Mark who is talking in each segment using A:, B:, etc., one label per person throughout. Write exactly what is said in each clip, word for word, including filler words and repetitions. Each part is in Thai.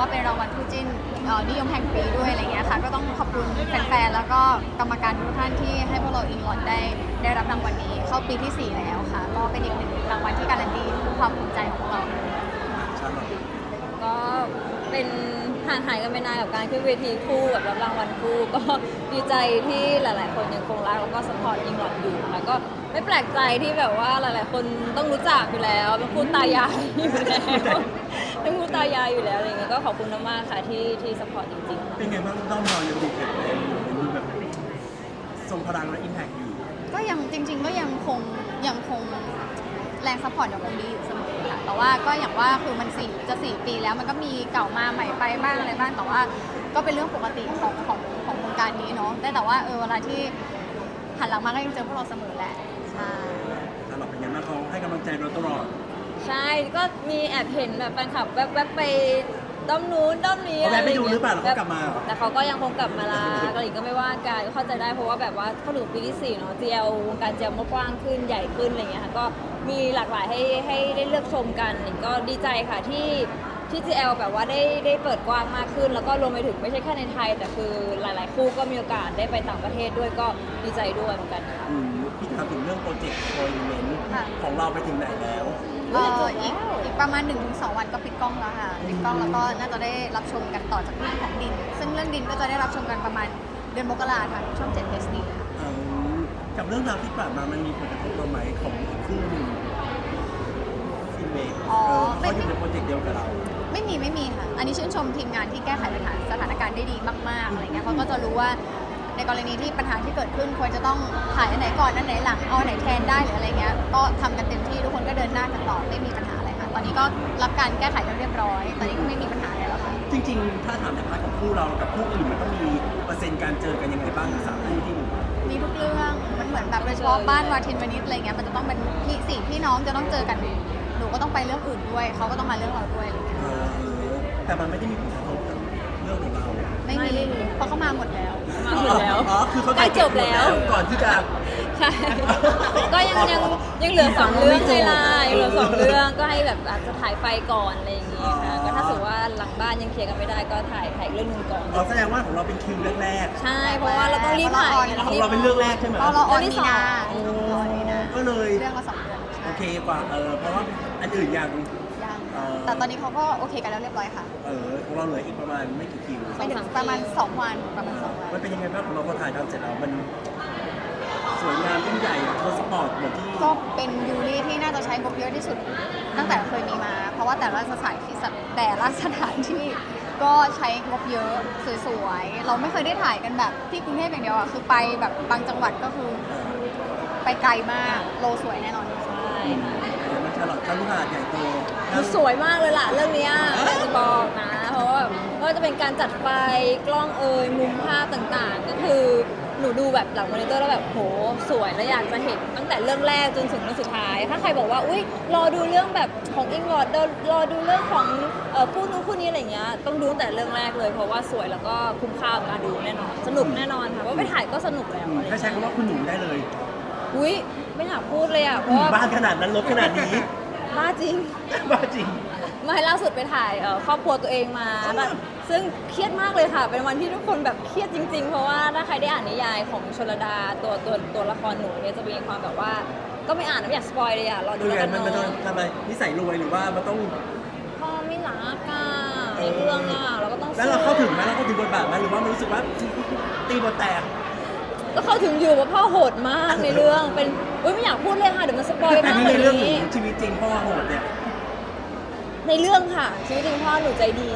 A: เป็นรางวัลคู่จิ้นนิยมแห่งปีด้วยอะไรเงี้ยค่ะก็ต้องขอบคุณแฟนๆแล้วก็กรรมการทุกท่านที่ให้พวกเราอิงลอดได้ได้รับรางวัลนี้เข้าปีที่สี่แล้วค่ะก็เป็นอีกหนึ่งรางวัลที่การันตีความภูมิใจของพวกเรา
B: ก็เป็นห่างหายกันไปนานกับการขึ้นเวทีคู่กับรับรางวัลคู่ก็ดีใจที่หลาย ๆ คนยังคงรักแล้วก็สปอร์ตยิงหลอดอยู่แล้วก็ไม่แปลกใจที่แบบว่าหลาย ๆ คนต้องรู้จักอยู่แล้วเป็นคู่ตายายอยู่แล้วเป็นคู่ตายายอยู่แล้วอะไรเงี้ยก็ขอบคุณมากๆค่ะที่ที่สปอร์ตจริง ๆ
C: เป็นไงบ้างด้อมเรายังดูแข็งแรงอยู่ยังดูแบบทรงพลังและอิมแพคอยู่
A: ก็ยังจริง ๆ ก็ยังคงยังคงแรงซัพพอร์ตยังคงดีอยู่เสมอค่ะแต่ว่าก็อย่างว่าคือมันสี่จะสี่ปีแล้วมันก็มีเก่ามาใหม่ไปบ้างอะไรบ้างแต่ว่าก็เป็นเรื่องปกติของของของวงการนี้เนาะแต่แต่ว่าเออเวลาที่หันหลังมาก็ยังเจอพวกเราเสมอแหละใช่
C: ถ้าเราเป็นยังไงบ้างเขาให้กำลังใจเราตลอด
B: ใช่ก็มีแอบเห็นแบบแฟนคลับแวบๆไปด้อมนู้นด้อมนี้
C: อะไรอย่างเงี้ยไปดูหรือเปล่าแล้วเขากลับมา
B: แต่เขาก็ยังคงกลับมาละก็อีกก็ไม่ว่ากันก็เข้าใจได้เพราะว่าแบบว่าเข้าถึงปีที่สี่เนาะ จี แอล วงการ จี แอล มันกว้างขึ้นใหญ่ขึ้นอะไรเงี้ยค่ะก็มีหลากหลายให้ให้ได้เลือกชมกันก็ดีใจค่ะที่ที่ จี แอล แบบว่าได้ได้เปิดกว้างมากขึ้นแล้วก็รวมไปถึงไม่ใช่แค่ในไทยแต่คือหลายๆคู่ก็มีโอกาสได้ไปต่างประเทศด้วยก็ดีใจด้วยเหมือนกันค่ะ
C: พี่ถามถึงเรื่องโปรเจกต์โอยเมนต์ของเราไปถึงไหนแล้ว
A: เอออีกอีกประมาณ หนึ่งถึงสอง วันก็ปิดกล้องแล้วค่ะปิดกล้องแล้วก็น่าจะได้รับชมกันต่อจากเรื่องของดินซึ่งเรื่องดินก็จะได้รับชมกันประมาณเดือนมกราทางช่องเจ็ด เอส ดี ค่ะ
C: กับเรื่องราวที่ผ่านมามันมีผลกระทบต่อไหมของอีกคู่หนึ่งฟิเมกเขาอยู่ในโปรเจกต์เดียวกับเรา
A: ไม่มีไม่มีค่ะอันนี้ชื่นชมทีมงานที่แก้ไขปัญหาสถานการณ์ได้ดีมากๆอะไรเงี้ยเขาก็จะรู้ว่าในกรณีที่ปัญหาที่เกิดขึ้นควรจะต้องถ่ายอันไหนก่อนอันไหนหลังเอาอันไหนแทนได้หรืออะไรเงี้ยก็ทำกันเต็มที่ทุกคนก็เดินหน้ากันต่อไม่มีปัญหาอะไรค่ะตอนนี้ก็รับการแก้ไขกันเรียบร้อยตอนนี้ก็ไม่มีปัญหาอะไรแล้วค่ะ
C: จริงๆถ้าถามในพาร์ทของคู่เรากับคู่อื่นมันต้องมีเปอร์เซ็นต์การเจอกันยังไงบ้างสามคู่ที่
A: มีทุกเรื่องมันเหมือนแบบโดยเฉพาะบ้านวาทินวนิชอะไรเงี้ยมันจะต้องเป็นพี่สี่พี่น้องจะต้องเจอกันหนูก็ต้องไปเรื่องอื่นด้วยเขาก็ต้องมาเรื่องเราด้วยอะไรเงี้ย
C: แต่มันไม่ได้มีผลกระทบกับเรื่องของเรา
A: ไม่มีเพราะเขามาหมดแล้ว
B: มาหมดแล้ว
C: อ๋อคือเขา
B: ใกล้จบแล้ว
C: ก่อนที่จะ
B: ใช่ก็ยังยังยังเหลือสองเรื่องเลยล่ะยังเหลือสองเรื่องก็ให้แบบอาจจะถ่ายไฟก่อนอะไรอย่างงี้ค่ะก็ถ้าสมมติว่าหลังบ้านยังเคลียร์กันไม่ได้ก็ถ่ายถ่ายเรื่องนึงก่อน
C: เราแสดงว่าของเราเป็นคิวแรก
B: ๆใช่เพราะว่าเราต้องรีบถ่าย
C: ของเราเป็นเรื่องแรกใช่ไหม
A: เราออนมีนา
C: ก็เลย
A: เรื่องละสองเดือน
C: โอเคกว่าเออเพราะว่าอันอื่นยัง
A: แต่ตอนนี้เขาก็โอเคกันแล้วเรียบร้อยค่ะ
C: เออของเราเหลืออีกประมาณไม่กี่คิว
A: ประมาณสองวันประมาณสองวัน
C: มันเป็นยังไงบ้างของเราพอถ่ายทำเสร็จแล้วมันสวยงามยิ่งใหญ่โทรสปอร์ตเหมือนที่
A: ก็เป็นยูริที่น่าจะใช้งบเยอะที่สุดตั้งแต่เคยมีมาเพราะว่าแต่ละสถานที่แต่ละสถานที่ก็ใช้งบเยอะสวยๆเราไม่เคยได้ถ่ายกันแบบที่กรุงเทพอย่างเดียวอ่ะคือไปแบบบางจังหวัดก็คือไปไกลมากโลสวยแน่นอน
B: ใช่
C: มันฉลองคารุหาดใหญ่โต
B: สวยมากเลยล่ะเรื่องนี้จะบอกนะเพราะว่าก็จะเป็นการจัดไฟกล้องเอยมุมภาพต่างๆก็คือหนูดูแบบหลังมอนิเตอร์แล้วแบบโหสวยแล้วอยากจะเห็นตั้งแต่เรื่องแรกจนถึงเรื่องสุดท้ายถ้าใครบอกว่าอุ้ยรอดูเรื่องแบบของอิงลอดรอดูเรื่องของคู่นู้นคู่นี้อะไรเงี้ยต้องดูตั้งแต่เรื่องแรกเลยเพราะว่าสวยแล้วก็คุ้มค่ากับการดูแน่นอนสนุกแน่นอนค่ะว่าไปถ่ายก็สนุกแล้ว
C: ถ้าใช้คำว่าคุณหนูได้เลย
B: อุ้ยไม่อยากพูดเลยอ่ะเพราะ
C: บ้านขนาดนั้นรถขนาดนี้
B: บ้าจริง
C: บ้าจริง
B: ไม่ล่าสุดไปถ่ายครอบครัวตัวเองมาซึ่งเครียดมากเลยค่ะเป็นวันที่ทุกคนแบบเครียดจริงๆเพราะว่าถ้าใครได้อ่านนิยายของชลดาตัวตัวตัวละครหนูเนี่ยจะมีความแบบว่าก็ไม่อ่านไม่อยากสปอยเลยอ่ะรอดูแล้วกันเนาะ
C: มันต้องทำไมนิสัยรวยหรือว่ามันต้อง
B: พ่อไม่รักอ่ะในเรื่องอ่ะเราก็ต้อง
C: แล้วเราเข้าถึงไหมเราเข้าถึงบทบาทไหมหรือว่ามันรู้สึกว่าตีบทแตก
B: ก็เข้าถึงอยู่ว่าพ่อโหดมากในเรื่องเป็นอุ้ยไม่อยากพูดเลยค่ะเดี๋ยวมันสปอยมาก
C: ในเรื่องชีวิตจริงพ่อโหดเนี่ย
B: ในเรื่องค่ะชีวิตจริงพ่อหนูใจดี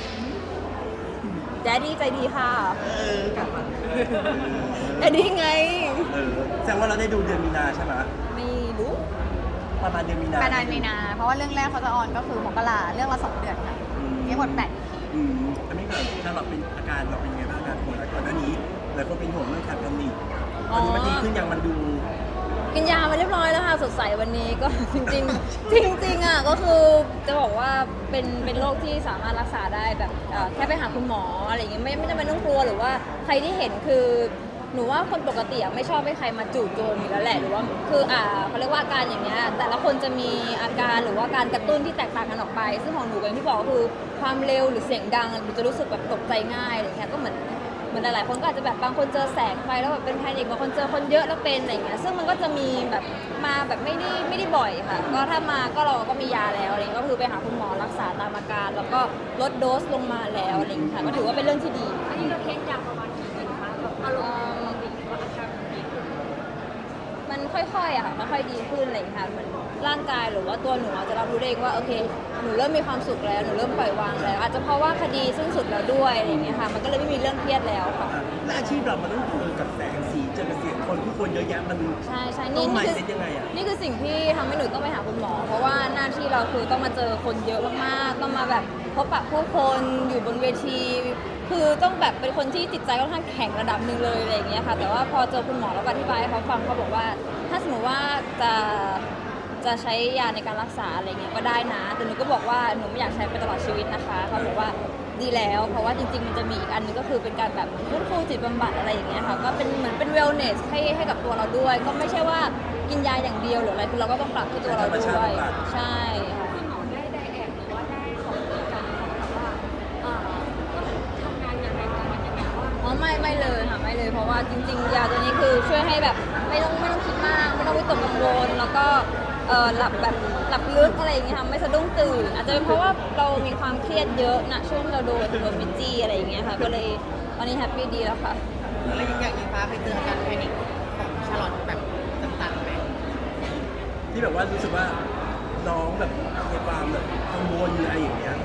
B: แดดดี้ใจดีค่ะ
C: เออกลับมา
B: แดดดี้ไง
C: เออแสดงว่าเราได้ดูเดือนมีนาใช่ไหม
B: ไม่รู้
C: ประมาณเดือนมีนา
A: ประมาณมีนาเพราะว่าเรื่องแรกเขาจะออนก็คือมกราเรื่องละสองเดือนค่ะมีหมดแปด
C: อืมอันนี้แบบถ้าเราเป็นอาการเราเป็นยังไงบ้างอาการป่วยแล้วก่อนหน้านี้หลายคนเป็นห่วงเรื่องขาดแคลนิกตอนนี้มันดีขึ้นยังมันดู
B: กินยามาเรียบร้อยแล้วค่ะสดใสวันนี้ก็จริงๆจริงๆอ่ะก็คือจะบอกว่าเป็นเป็นโรคที่สามารถรักษาได้แบบแค่ไปหาคุณหมออะไรอย่างเงี้ยไม่ไม่จำเป็นต้องกลัวหรือว่าใครที่เห็นคือหนูว่าคนปกติอะไม่ชอบให้ใครมาจู่โจมอยู่แล้วแหละหรือว่าคืออ่าเขาเรียกว่าอาการอย่างเงี้ยแต่ละคนจะมีอาการหรือว่าการกระตุ้นที่แตกต่างกันออกไป ซึ่งของหนูอย่างที่บอกก็คือความเร็วหรือเสียงดังหนูจะรู้สึกแบบตกใจง่ายอะไรเงี้ยก็เหมือนเหมือนหลายๆคนก็อาจจะแบบบางคนเจอแสงไฟแล้วแบบเป็นแพนิคบางคนเจอคนเยอะแล้วเป็นอะไรเงี้ยซึ่งมันก็จะมีแบบมาแบบไม่ได้ไม่ได้บ่อยค่ะก็ถ้ามาก็เราก็มียาแล้วอะไรเงี้ยก็คือไปหาคุณหมอรักษาตามอาการแล้วก็ลดโดสลงมาแล้วอะไรเงี้ยค่ะก็ถือว่าเป็นเรื่องที่ดี
D: อันนี้เราเทคยาประมาณกี่เดือนคะแบบอารมณ์ปกติหรือว่าอาการดีขึ้น
B: มันค่อยๆอะค่ะมันค่อยดีขึ้นอะไรอย่างเงี้ยค่ะเหมือนร่างกายหรือว่าตัวหนูอะจะรับรู้ได้เองว่าโอเคหนูเริ่มมีความสุขแล้วหนูเริ่มปล่อยวางแล้ว อาจจะเพราะว่าคดีสิ้นสุดแล้วด้วยอะไรอย่างเงี้ยค่ะมันก็เลยไม่มีเรื่องเครียดแล้วค่ะ
C: อ่ะและอาชีพเรามันต้องเจอกับแสงสีเจอกับเสียงคนผู้คนเยอะแยะมัน
B: ใช่ใช่
C: ต้อ
B: นี่
C: ง
B: นี่คือ
C: mindset ยังไงอะ
B: นี่คือสิ่งที่ทำให้หนูต้องไปหาคุณหมอ เพราะว่าหน้าที่เราคือต้องมาเจอคนเยอะมากๆต้องมาแบบพบปะผู้คนอยู่บนเวที คือต้องแบบเป็นคนที่จิตใจค่อนข้างแข็งระดับหนึ่งเลยอะไรอย่างเงี้ยค่ะแต่ว่าพอเจอคุณหมอแล้วก็อธิบายให้เขาฟังเขาบอกว่า ถ้าสมมติว่าจะจะใช้ยาในการรักษาอะไรเงี้ยก็ได้นะแต่หนูก็บอกว่าหนูไม่อยากใช้ไปตลอดชีวิตนะคะเขาบอกว่าดีแล้ว เพราะว่าจริงๆมันจะมีอีกอันนึงก็คือเป็นการแบบฟื้นฟูจิตบำบัดอะไรอย่างเงี้ยค่ะก็เป็นเหมือนเป็นเวลเนสให้ให้กับตัวเราด้วย ก็ไม่ใช่ว่ากินยาอย่างเดียวหรืออะไรคือเราก็ต้องปรับที่ตัวเราด้วยใช่ค่ะ
D: คุณหมอได้ได้แอบหรือว่าได้สอบถามกันแบบว่าเอ่อต้องทำงานยังไงประมาณยังไงว่า
B: อ๋อไม่ไม่เลยค่ะไม่เลยเพราะว่าจริงๆยาตัวนี้คือช่วยให้แบบไม่ต้องไม่ต้องคิดมากไม่ต้องวิตกกังวลแล้วก็เออหลับแบบหลับลึกอะไรอย่างเงี้ยค่ะไม่สะดุ้งตื่นอาจจะเป็นเพราะว่าเรามีความเครียดเยอะนะช่วงที่เราโดนโดนมิจี้อะไรอย่างเงี้ยค่ะก็เลยตอนนี้แฮปปี้ดีแล้วค่ะ
E: แล้วอย่างอย่างอิงฟ้าไปเจออาการแพนิคของชาลอตแบบต่างๆไหม
C: ที่แบบว่ารู้สึกว่าน้องแบบมีความแบบกังวลอะไรอย่างเงี้ย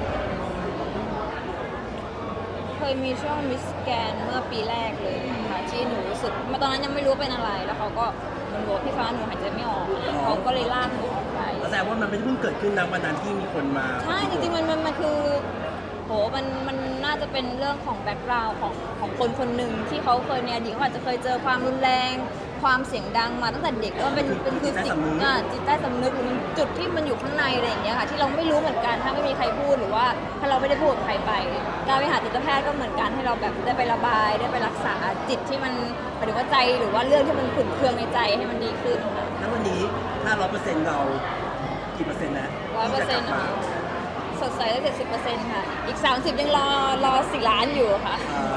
B: เคยมีช่วงมิสแกนเมื่อปีแรกเลยค่ะที่หนูรู้สึกมาตอนนั้นยังไม่รู้เป็นอะไร แล้วเขาก็เหมันบอกพี่ฟ้าหนูหายใจไม่ออกเขาก็เลยลากหนูออกไป
C: แสดงว่ามันไม่ได้เพิ่งเกิดขึ้นนะวันนั้นที่มีคนมา
B: ใช่จริงๆมันมันมันคือโหมันมันน่าจะเป็นเรื่องของแบ็กกราวด์ของของคนคนหนึ่งที่เขาเคยในอดีตเขาอาจจะเคยเจอความรุนแรง ความเสียงดังมาตั้งแต่เด็กแล้วมันเป็นเป็นคือสิ่งอ่ะจิตใต้สำนึกหรือมันจุดที่มันอยู่ข้างในอะไรอย่างเงี้ยค่ะที่เราไม่รู้เหมือนกันถ้าไม่มีใครพูดหรือว่าถ้าเราไม่ได้พูดกับใครไปการไปหาจิตแพทย์ก็เหมือนกันให้เราแบบได้ไประบายได้ไปรักษาจิตที่มันหมายถึงว่าใจหรือว่าเรื่องที่มันขุ่นเคืองในใจให้มันดีขึ้นค่ะ
C: แล้ววันนี้ถ้าร้อยเปอร์เซ็นต์เรากี่เปอร์เซ็นต์แล้ว
B: ร้อยเปอร์เซ็นต์ค่ะสดใสได้เจ็ดสิบเปอร์เซ็นต์ค่ะ อีกสามสิบยังรอรอสี่ล้านอยู่ค่ะ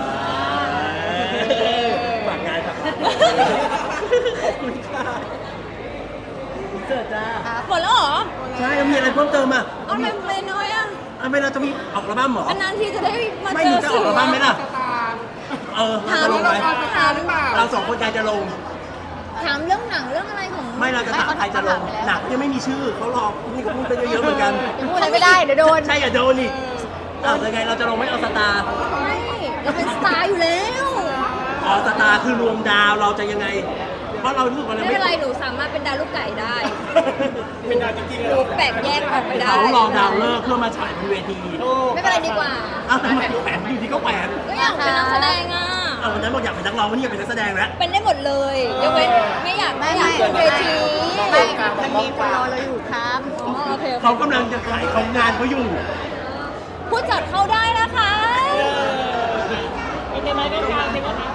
C: ฝากงานครับขอบคุณค่ะเจอจ้า
B: หมดแล้วเหรอ
C: ใช่แล้วมีอะไรเพิ่มเติมอ่ะ
B: เอาไม่ไม่น้อยอ่ะ
C: อ่ะไม่เราจะมีออกอัลบั้มเหรอ
B: อันนั้นที่จะได้มา
C: ไม่
B: เจ
C: หนู
B: อ
C: จะออกอัลบั้มไหมล่ะเออเรา
B: ถาม
C: จะลงไหม
B: ถาม
C: เราสองคนใครจะลง
B: ถามเรื่องหนังเรื่องอะไรของ
C: ไม่เราจะถามใครจะลงหนักยังไม่มีชื่อเขารอนี่เขาพูดไปเยอะๆเหมือนกัน
A: ยังพูดอะไรไม่ได้เดี๋ยวโดน
C: ใช่อย่าโดนอีกอ้าวยังไงเราจะลงไม่เอาสตาร์
B: ไม่เราเป็นสตาร์อยู่แล้ว
C: อ๋อสตาร์คือรวมดาวเราจะยังไง เพราะเรารู้สึกว่าเรา
B: ไม่
C: ไม่
B: เป็นไรหนูสามารถเป็นดาวลูกไก่ได้
C: เป็นดาวจริงๆ
B: หนูแปลกแยกออกไปได้
C: เขารอดาวเลิกเพื่อมาฉายบนเวที
B: ไม่เป็นไรดีกว่า
C: อ้าวทำไมแหวนอยู่ที่เขาแหวน
B: ก็อยากเป็นนักแสดงอ่ะ
C: อ้าววันนั้นบอกอยากเป็นนักร้องวันนี้อยากเป็นนักแสดงแล้ว
B: เป็นได้หมดเลยยกเว้นไม่อยาก
A: ไม่
B: ไม่อยาก
A: ไม่
B: ขึ้นเวที
A: ไม่มันมีคนรอเราอยู่ครับ
B: อ๋อโอเคโอเค
C: เขากำลังจะขายของงานเขาอยู่
B: ผู้จัดเข้าได้นะคะ
E: เป็นไงไหมเป็นไงบ้าง